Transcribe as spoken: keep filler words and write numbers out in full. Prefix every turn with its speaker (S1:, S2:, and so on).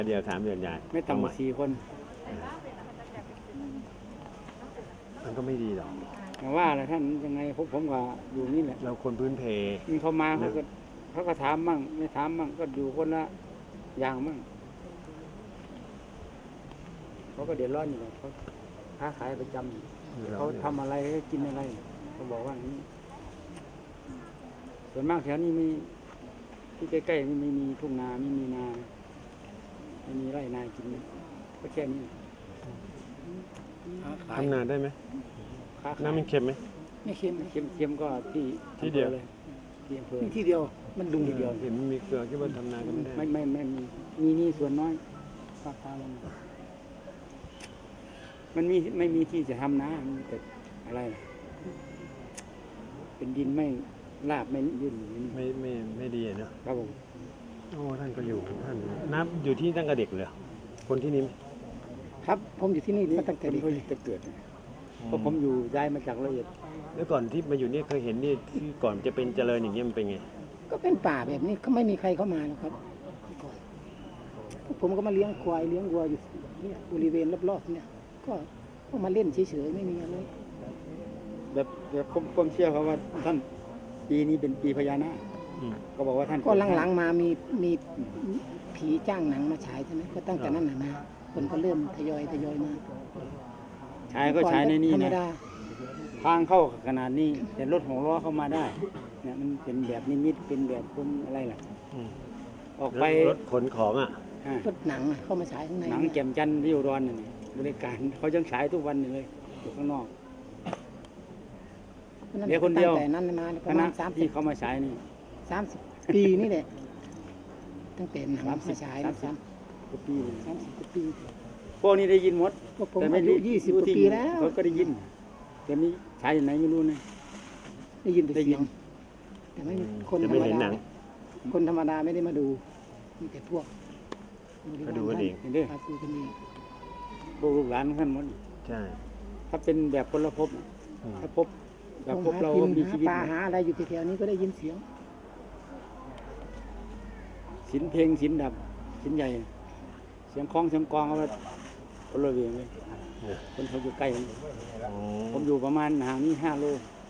S1: เดียวสามเดือนใหญ่
S2: ไม่ต่ำกว่าสี่คน
S1: มันก็ไม่ดีหรอก
S2: แต่ว่าอะไรท่านยังไงผมผมก็อยู่นี่แหละ
S1: เราคนพื้นเพ
S2: มีเขามาเขาก็เขาก็ถามมั่งไม่ถามมั่งก็อยู่คนละอย่างมั่งเขาก็เดือดร้อนอยู่เขาค้าขายประจำเขาทำอะไรกินอะไรเขาบอกว่าอย่างนี้ส่วนมากแถวนี้มีที่ใกล้ๆนี่ไม่มีทุ่งนาไม่มีนาไม่มีไร่นากินก็แค่นี้
S1: ทำนานได้ไหม
S2: ค้าขาย
S1: น้ำมันเค็มไหม
S3: ไม่เค็ม
S2: เค็มเค็มก็ที่
S1: ที่เดียว
S2: เลยที่อำเภอ
S3: มีที่เดียว มันดุงทีเดียว
S1: เห็นมีเกลือคิดว่าทำนานก็ไม่ได้
S2: ไม่ไม่ไม่มีมีนี่ส่วนน้อยภาคกลางมันมีไม่มีที่จะทำนะมีแต่อะไร เป็นดินไม่ลาบไม่ยืน
S1: ไม่ไม่ไม่ดีอะเนาะ
S2: ครับผม
S1: โอ้ท่านก็อยู่ท่านน้ำอยู่ที่ตั้งแต่เด็กเลยคนที่นี่
S3: ครับ ผมอยู่ที่นี่มาตั้งแต่เด็ก
S2: เพิ่งจะเกิดเพราะผมอยู่ย้ายมาจากละเอียด
S1: แล้วก่อนที่มาอยู่นี่เคยเห็นนี่ที่ก่อนจะเป็นเจริญอย่างเงี้ยมันเป็นไง
S3: ก็เป็นป่าแบบนี้ก็ไม่มีใครเข้ามาหรอกครับพวกผมก็มาเลี้ยงควายเลี้ยงวัวอยู่เนี่ยบริเวณรอบๆเนี่ย ก็ก็มาเล่นเฉยๆไม่มีอะไร
S2: แบบแบบผมผมเชื่อเขาว่าท่านปีนี้เป็นปีพญานาค
S1: อืม
S2: ก็บอกว่าท่าน
S3: ก็หลังๆมามีมีผีจ้างหนังมาฉายใช่ไหมก็ตั้งแต่นั้นน่ะมาคนก็เริ่มทยอยทยอยมา
S2: ฉายก็ฉายในนี้
S3: ธรรม
S2: นะ
S3: ดา
S2: ทางเข้าขนาดนี้แต่รถหกล้อเข้ามาได้เนี่ยมันเป็นแบบนิมิตเป็นแบบคนอะไรล่ะ
S1: อืม
S2: ออกไป
S1: รถขนของอ่ะ
S2: อ่า
S3: ก็หนังอะเข้ามาฉายข้างใน
S2: หนังแจ่มจันทร์ที่อุดรนี่บริการเขายังฉายทุกวันอยู่เลยอยู่ข้างนอก เดี๋ยวคนเดียว
S3: ตั้งแต่นั้นมาป
S2: ค
S3: ระ
S2: ณะ
S3: มาณสามสิ
S2: ที่
S3: บ
S2: เขามาฉายนี่
S3: สามสิบปีนี่แหละตั้งแต่หนังมาฉาย
S2: สา
S3: นะ
S2: มสิบ
S3: สาม
S2: กว่าปีเลย
S3: สามสิบกว่าปี
S2: พวกนี้ได้ยินหมด
S3: ก็ผม
S2: แต่ไม่
S3: อายุยี่สิบกว่าปีแล้ว
S2: เขาก็ได้ยินแต่มีฉายอยู่ไหนไม่รู้นะ
S3: ได้ยินแต่
S2: ได้ยิ
S3: เสีย
S2: น
S3: งแต่ไม่มี
S1: อืม
S3: คน
S1: แต่
S3: ธร
S1: ไม่
S3: รม
S1: เห็นหนั
S3: ดาง คนธรรมดาไม่ได้มาดูมีแต่พวก
S1: ก็ดูกันเอง
S2: เห็นเด้อ
S3: มาดูกันเอง
S2: พวกลูกหลานท่านหมด
S1: ใช่
S2: ถ้าเป็นแบบคนละภพน่ะ
S1: อืม
S2: ถ้าภพแบบภพ
S3: หา
S2: เรา
S3: กิน
S2: มี
S3: หา
S2: ชีวิต
S3: ปลาหาอะไรอยู่แถวๆนี้ก็ได้ยินเสียง
S2: สินเพลงสินดับสินใหญ่ เสียงคล้องเสียงกลองเอาไว้คนละเวียงเลย
S1: เนี่ย
S2: คนเขาอยู่ใกล้ผม
S1: อ๋อ
S2: ผมอยู่ประมาณห่างนี่ห้าโล